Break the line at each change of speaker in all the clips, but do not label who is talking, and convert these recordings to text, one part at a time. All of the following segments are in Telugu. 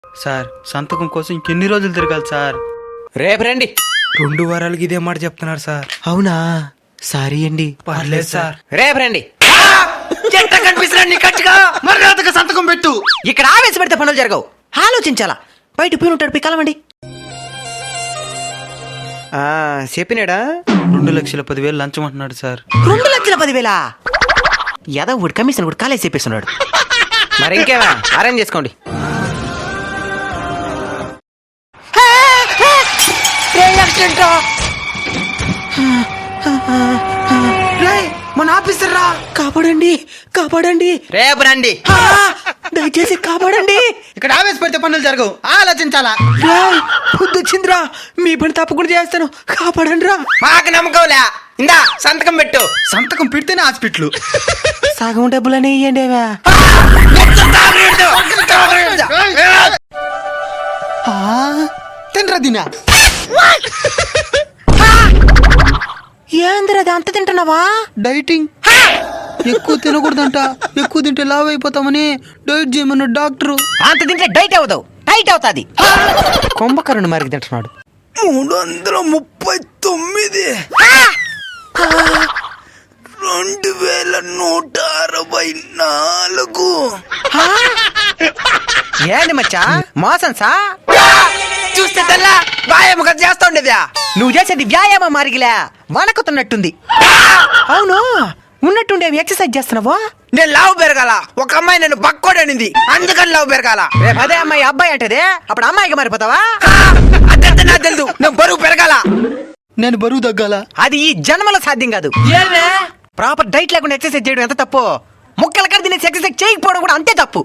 సార్ సంతకం కోసం ఇంకెన్ని రోజులు తిరగాలి సార్?
రేపు రండి.
2 వారాలకి ఇదే మాట చెప్తున్నారు సార్.
అవునా? సారీ అండి.
పర్లేదు సార్.
రేపు రండి.
మర్యాదగా సంతకం పెట్టు.
ఇక్కడ ఆవేశ పెడితే పనులు జరగవు, ఆలోచించాలా. బయట పోయి ఉంటాడు, పోయి కలవండి. చెప్పినాడా?
2,10,000 లంచం అంటున్నాడు సార్.
2,10,000? యాదవ్ కమిషన్ కూడా కాలేజ్ చెప్పేస్తున్నాడు. మరి ఇంకేమా అరేంజ్ చేసుకోండి.
మన ఆఫీసర్ రా,
కాపాడండి, కాపాడండి. రేపు రండి, దయచేసి కాపాడండి.
ఇక్కడ ఆవేశపడితే పనులు జరగవు, ఆలోచించాలా.
వచ్చిందిరా, మీ పని తప్పకుండా చేస్తాను, కాపాడండి రా.
మాకు నమ్మకంలే, ఇందా సంతకం పెట్టు.
సంతకం పెడితేనే హాస్పిటల్.
సగం డబ్బులని ఇయ్యండి.
తినరా దినా.
ఏందిరా అంత తింటున్నావా?
డైటింగ్. ఎక్కువ తినకూడదంట, ఎక్కువ తింటే లావ్ అయిపోతామని డైట్ చేయమన్న డాక్టరు.
అంత తింటే డైట్ అవుతావు, టైట్ అవుతాది. కుంభకరుణ్ మరికి తింటున్నాడు.
339, 2,164.
ఏంది మచ్చా మోసం సా?
చూస్తే తెల్లా వ్యాయామం కదా చేస్తా ఉండేదా.
నువ్వు చేసేది వ్యాయామం మారిగిలే, వణకుతున్నట్టుంది. అవును, ఉన్నట్టుండేవి ఎక్సర్సైజ్ చేస్తున్నావా?
నేను లావు పెరగాల, ఒక అమ్మాయి నన్ను బక్కోడనింది, అందుకని లావు పెరగాల.
రేపు అదే అమ్మాయి అబ్బాయి అంటదే, అప్పుడు అమ్మాయికి మారిపోతావా?
అదంతా నాకు తెలుసు, నేను బరువు పెరగాల.
నేను బరువు తగ్గాల?
అది ఈ జన్మలో సాధ్యం కాదు. ప్రాపర్ డైట్ లేకుండా ఎక్సర్సైజ్ చేయడం ఎంత తప్పు, ముక్కల కడ తినేసి ఎక్సర్సైజ్ చేయకపోవడం కూడా అంతే తప్పు.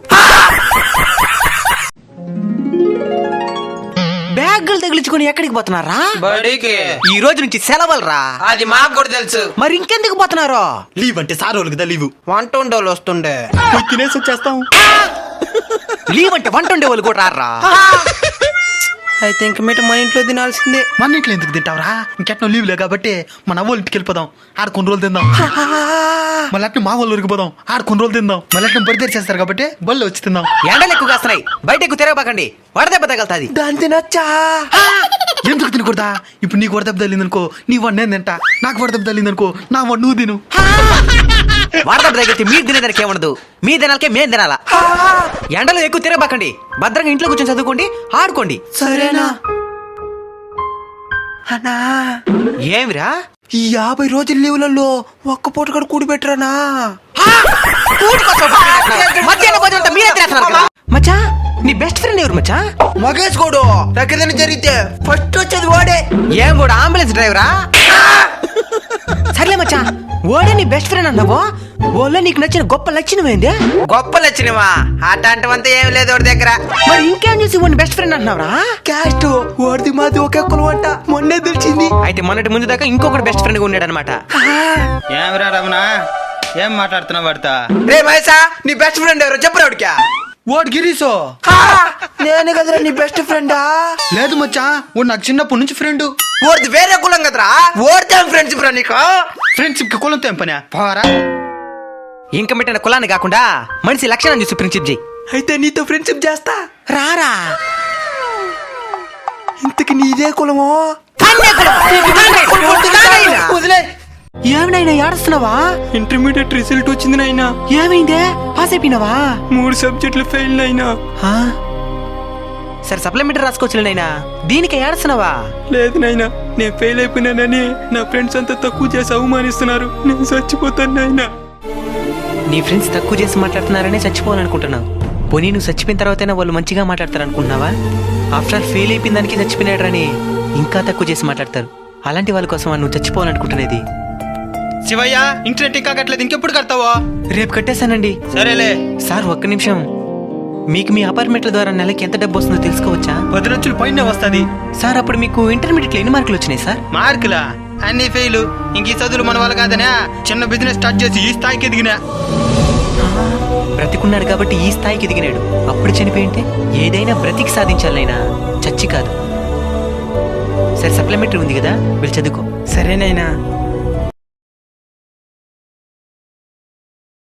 బ్యాగులు తగిలించుకుని ఎక్కడికి పోతున్నారా?
బడికి.
ఈ రోజు నుంచి సెలవులరా.
అది మాకు కూడా తెలుసు.
మరి ఇంకెందుకు పోతున్నారు?
లీవ్ అంటే సార్ వాళ్ళకి దా లీవు.
వంట ఉండోళ్ళు వస్తుండే
తినేసి వచ్చేస్తాం.
లీవ్ అంటే వంట ఉండే వాళ్ళు కూడా రారా?
అయితే ఇంక మీట మా ఇంట్లో తినాల్సిందే.
మన ఇంట్లో ఎందుకు తింటావురా? ఇంకెట్నో లీవ్ లే కాబట్టి మన అవ్వ ఇంటికి వెళ్ళిపోదాం, ఆడ కొన్ని రోజులు తిందాం. మళ్ళీ అట్నే మా వాళ్ళు ఊరికి పోదాం, ఆడ కొన్ని రోజులు తిందాం. మళ్ళీ అట్నే బడి తెరిచేస్తారు కాబట్టి బళ్ళు వచ్చి తిందాం.
ఎండలు ఎక్కువ కాస్తున్నాయి, బయట ఎక్కువ తిరగబాకండి, వడదెబ్బ తగలుతుంది.
దాని తినొచ్చా?
ఎందుకు తినకూడదా? ఇప్పుడు నీకు వడదెబ్బ తల్లిందనుకో, నీ వాడు నేను తింటా. నాకు వడదెబ్బ తల్లిందనుకో, నా వాడు నువ్వు తిను.
వడదెబ్బ తగిలితే మీరు తినేదానికి ఏముండదు, మీ తినాలకే మేము తినాలా. ఎండలు ఎక్కువ తిరగబాకండి, భద్రంగా ఇంట్లో కూర్చొని చదువుకోండి, ఆడుకోండి.
సరేనా అన్నా?
ఏమిరా?
ఈ 50 రోజుల లీవులలో ఒక్క పూట కూడా కూడి పెట్టరానా?
మధ్యాహ్నం భోజనం అంతా మీరే తినేస్తున్నారు కదా. మచ్చా, నీ బెస్ట్ ఫ్రెండ్ ఎవరు మచ్చా?
మగేష్ గోడు. ఎక్కడైనా జరిగితే ఫస్ట్ వచ్చేది వాడే.
ఏం కూడా అంబులెన్స్ డ్రైవరా? సర్లే మచ్చా, ఓడే నీ బెస్ట్ ఫ్రెండ్ అన్నావో, ఓలో నీకు నచ్చిన గొప్ప లక్షణం ఏంది?
గొప్ప లక్షణమా? అట్లాంటివంతా ఏం లేదు వాడి దగ్గర.
మరి ఇంకేం చూసి ఓడి బెస్ట్ ఫ్రెండ్ అంటున్నావురా?
క్యాస్ట్ వాడిది మాది ఒకే కులం అంట, మొన్నే తెలిసింది.
అయితే మొన్నటి ముందు దాకా ఇంకొకటి బెస్ట్ ఫ్రెండ్ గా ఉన్నాడు అనమాట.
ఏమిరా రమణ, ఏం మాట్లాడుతున్నావు వాడితో?
రే మహేశా, నీ బెస్ట్ ఫ్రెండ్ ఎవరో చెప్పరా వాడికా?
వాడు గిరీసో.
నేను కదరా నీ బెస్ట్ ఫ్రెండా?
లేదు మచ్చా, వాడు నాకు చిన్నప్పటి నుంచి ఫ్రెండ్.
ఓడిది వేరే కులం కదరా, ఓడితే ఫ్రెండ్షిప్ రా నీకు.
ఫ్రెండ్షిప్ కి కులంతో ఏం పని? పోరా.
ఇంకా పెట్టిన కులాన్ని కాకుండా మనిషి లక్షణం చూసి ఫ్రెండ్షిప్ చేయి.
అయితే నీతో ఫ్రెండ్షిప్ చేస్తా.
రారా.
ఇంతకి నీదే కులమో?
వదిలే. ఏమినైనా ఏడుస్తున్నావా?
ఇంటర్మీడియట్ రిజల్ట్ వచ్చింది నాయనా.
ఏమైందే? పాస్ అయిపోయినావా?
3 సబ్జెక్టులు ఫెయిల్ అయినా.
సరే సప్లిమెంటరీ రాసుకోవచ్చు నైనా, దీనికి ఏడుస్తున్నావా?
లేదు నాయనా, నేను ఫెయిల్ అయిపోయినానని నా ఫ్రెండ్స్ అంతా తక్కువ చేసి అవమానిస్తున్నారు. నేను చచ్చిపోతాను నాయనా.
నీ ఫ్రెండ్స్ తక్కువ చేసి మాట్లాడుతున్నారనే చచ్చిపోవాలనుకుంటున్నావు. పోనీ నువ్వు చచ్చిపోయిన తర్వాతైనా వాళ్ళు మంచిగా మాట్లాడతారు అనుకుంటున్నావా? ఆఫ్టర్ ఆల్ ఫెయిల్ అయిపోయిన దానికి చచ్చిపోయినాడని ఇంకా తక్కువ చేసి మాట్లాడతారు. అలాంటి వాళ్ళ కోసం నువ్వు చచ్చిపోవాలనుకుంటున్నది.
శివయ్య, ఇంటర్నెట్ ఇంకా కట్టలేదు, ఇంకెప్పుడు కడతావో?
రేపు కట్టేశానండి.
సరేలే
సార్, ఒక్క నిమిషం. మీకు మీ అపార్ట్మెంట్ల ద్వారా నెలకి ఎంత డబ్బు వస్తుందో తెలుసుకోవచ్చా?
10 లక్షలు పైన వస్తుంది.
సార్, అప్పుడు మీకు ఇంటర్మీడియట్లో ఎన్ని మార్కులు వచ్చినాయి సార్?
మార్కులా? అన్ని ఫెయిల్. ఇంక ఈ చదువులు మన వాళ్ళు కాదనే చిన్న బిజినెస్ స్టార్ట్ చేసి ఈ స్థాయికి ఎదిగినా.
బ్రతికున్నాడు కాబట్టి ఈ స్థాయికి ఎదిగినాడు. అప్పుడు చనిపోయింటే ఏదైనా బ్రతికి సాధించాలైనా, చచ్చి కాదు. సరే సప్లిమెంటరీ ఉంది కదా, వెళ్ళి చదువుకో.
సరేనైనా.